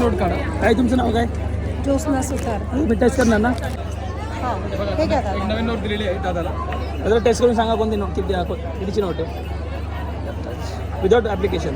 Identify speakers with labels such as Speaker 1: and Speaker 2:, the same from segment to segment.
Speaker 1: Note काढा. काय तुमचं नाव काय?
Speaker 2: ज्योत्स्ना सुतार.
Speaker 1: मी टेस्ट करणार ना.
Speaker 2: हां हे घ्या दादा.
Speaker 1: एक नवीन नोट दिलेली आहे दादाला. दादा टेस्ट करून सांगा कोणती नोट कितीची नोट आहे विदाउट ॲप्लिकेशन.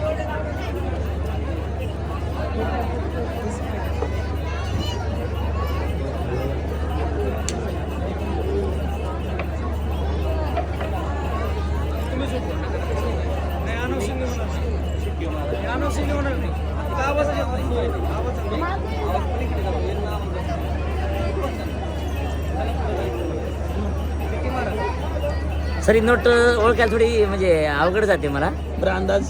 Speaker 3: सर ही नोट ओळखायला थोडी म्हणजे अवघड जाते मला.
Speaker 1: बरं अंदाज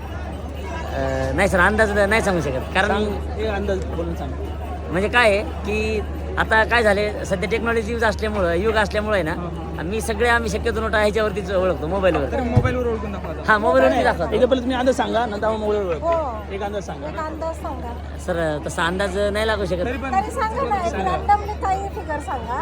Speaker 3: नाही सर, अंदाज नाही सांगू शकत. कारण
Speaker 1: एक अंदाज बोलून सांग.
Speaker 3: म्हणजे काय आहे की आता काय झाले, सध्या टेक्नॉलॉजी युग असल्यामुळे ना आम्ही शक्यतो नोट ह्याच्यावरतीच ओळखतो, मोबाईलवर.
Speaker 1: मोबाईलवर ओळखून दाखवा.
Speaker 3: हा, मोबाईलवरती दाखवतो.
Speaker 1: एकदा पहिले तुम्ही अंदाज सांगा, नंतर आपण मोबाईलवर
Speaker 2: हो
Speaker 1: एक अंदाज सांगा.
Speaker 2: एक अंदाज सांगा.
Speaker 3: सर तसा अंदाज नाही लागू शकत.
Speaker 2: तरी सांगा ना, एक रँडमली काही फिगर सांगा.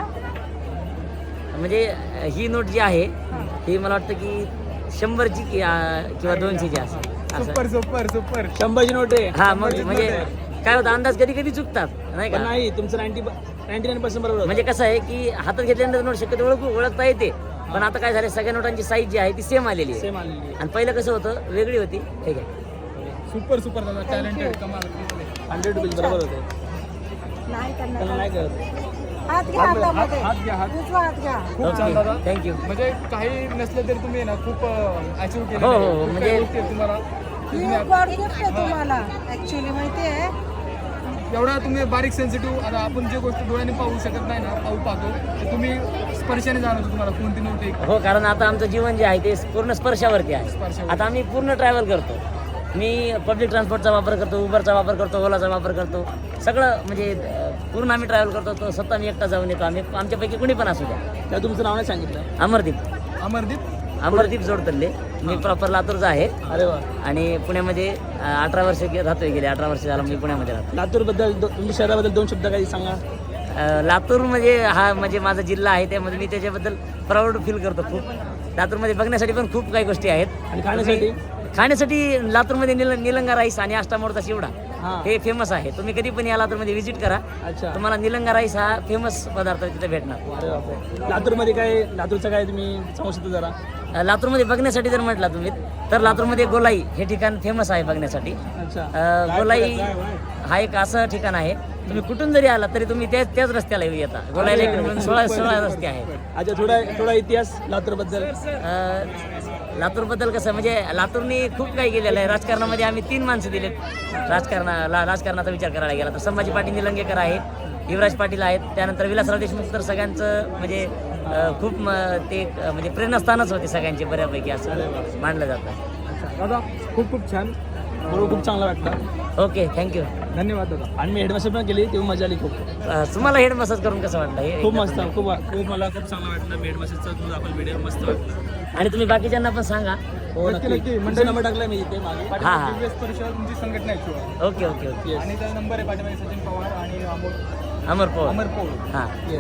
Speaker 3: म्हणजे ही नोट जी आहे ही मला वाटतं की 100ची किंवा 200ची असं.
Speaker 1: सुपर 100ची नोट आहे.
Speaker 3: हा, मग म्हणजे काय होतं, अंदाज कधी कधी चुकतात नाही का.
Speaker 1: नाही तुमचं 99% बरोबर.
Speaker 3: म्हणजे कसं आहे की हातात घेतल्यानंतर नोट शक्यतो ओळखता येते. पण आता काय झालं, सगळ्या नोटांची साईज जी आहे ती सेम आलेली आहे.
Speaker 1: सेम आलेली.
Speaker 3: आणि पहिलं कसं होतं, वेगळी होती. ठीक आहे.
Speaker 1: सुपर दादा, टॅलेंटेड, कमाल. 100 रुपये बरोबर होते.
Speaker 2: नाही
Speaker 1: त्याला
Speaker 2: करणार.
Speaker 1: नाही करत.
Speaker 2: हात घ्या हातामध्ये.
Speaker 1: हात घ्या, हात.
Speaker 2: उजवा हात घ्या.
Speaker 1: खूप छान दादा.
Speaker 3: थँक्यू.
Speaker 1: म्हणजे काही नसलं तरी तुम्ही ना खूप अचीव्ह केलं.
Speaker 3: हो, हो, म्हणजे
Speaker 1: तुम्हाला
Speaker 2: ही एक गॉड गिफ्ट आहे तुम्हाला ऍक्च्युअली, माहिती आहे.
Speaker 1: एवढा तुम्ही बारीक सेन्सिटिव्ह. आता आपण जे गोष्ट डोळ्याने पाहू शकत नाही ना, पाहतो ते तुम्ही स्पर्शाने जाणवतो तुम्हाला कोणती नोट आहे.
Speaker 3: हो, कारण आता आमचं जीवन जे आहे ते पूर्ण स्पर्शावरती आहे.
Speaker 1: स्पर्शावर.
Speaker 3: आता आम्ही पूर्ण ट्रॅव्हल करतो. मी पब्लिक ट्रान्सपोर्टचा वापर करतो, उबरचा वापर करतो, ओलाचा वापर करतो. सगळं म्हणजे पूर्ण आम्ही ट्रॅव्हल करतो. तो स्वतः मी एकटा जाऊन येतो. आम्ही आमच्यापैकी कुणी पण असू द्या.
Speaker 1: त्या तुमचं नाव नाही सांगितलं.
Speaker 3: अमरदीप जोडतल्ले. मी प्रॉपर लातूरचा आहे.
Speaker 1: अरे वा.
Speaker 3: आणि पुण्यामध्ये 18 वर्ष राहतोय. गेले 18 वर्ष झालं मी पुण्यामध्ये राहतो.
Speaker 1: लातूरबद्दल तुमच्या शहराबद्दल 2 शब्द काही सांगा.
Speaker 3: लातूर म्हणजे माझा जिल्हा आहे, त्यामध्ये मी त्याच्याबद्दल प्राऊड फील करतो खूप. लातूरमध्ये बघण्यासाठी पण खूप काही गोष्टी आहेत.
Speaker 1: आणि खाण्यासाठी
Speaker 3: लातूरमध्ये निलंगा राईस आणि अष्टामोडचा चिवडा
Speaker 1: हां.
Speaker 3: हे फेमस आहे. तुम्ही कधी पण या लातूरमध्ये व्हिजिट करा.
Speaker 1: अच्छा.
Speaker 3: तुम्हाला निलंगा राईस हा फेमस पदार्थ तिथे भेटणार.
Speaker 1: अरे बापरे. लातूरचं काय तुम्ही सांगू शकता जरा?
Speaker 3: लातूरमध्ये बघण्यासाठी जर म्हटला तुम्ही तर लातूरमध्ये गोलाई हे ठिकाण फेमस आहे बघण्यासाठी.
Speaker 1: अच्छा.
Speaker 3: गोलाई हा एक असं ठिकाण आहे, तुम्ही कुठून जरी आला तरी तुम्ही त्याच रस्त्याला येता. गोलाईला एक मिळून 16 रस्ते आहेत.
Speaker 1: अच्छा. थोडा इतिहास लातूरबद्दल.
Speaker 3: लातूरबद्दल कसं, म्हणजे लातूरने खूप काही केलेलं आहे. राजकारणामध्ये आम्ही 3 माणसं दिलेत. राजकारणाचा विचार करायला गेला तर संभाजी पाटील निलंगेकर आहेत, युवराज पाटील आहेत, त्यानंतर विलासराव देशमुख. तर सगळ्यांचं म्हणजे खूप ते म्हणजे प्रेरणास्थानच होते सगळ्यांचे बऱ्यापैकी, असं मानलं जातं.
Speaker 1: दादा खूप छान. खूप चांगलं वाटलं.
Speaker 3: Okay, thank you.
Speaker 1: धन्यवाद दादा. आणि मी हेड मसाज पण केली, तेव्हा मजा आली खूप.
Speaker 3: तुम्हाला हेड मसाज करून कसं वाटलं?
Speaker 1: खूप मस्त. खूप मला खूप चांगलं वाटलं. हेड मसाजचा तुझा आपण व्हिडिओ मस्त वाटलं.
Speaker 3: आणि तुम्ही बाकीच्यांना पण सांगा.
Speaker 1: हो, नक्की. म्हणजे नंबर टाकलाय मी इथे मागे.
Speaker 3: हां.
Speaker 1: तुमची संघटना आहे.
Speaker 3: ओके.
Speaker 1: आणि त्याचा नंबर आहे पाठीमागे, सचिन पवार आणि
Speaker 3: अमर पवार.
Speaker 1: हां.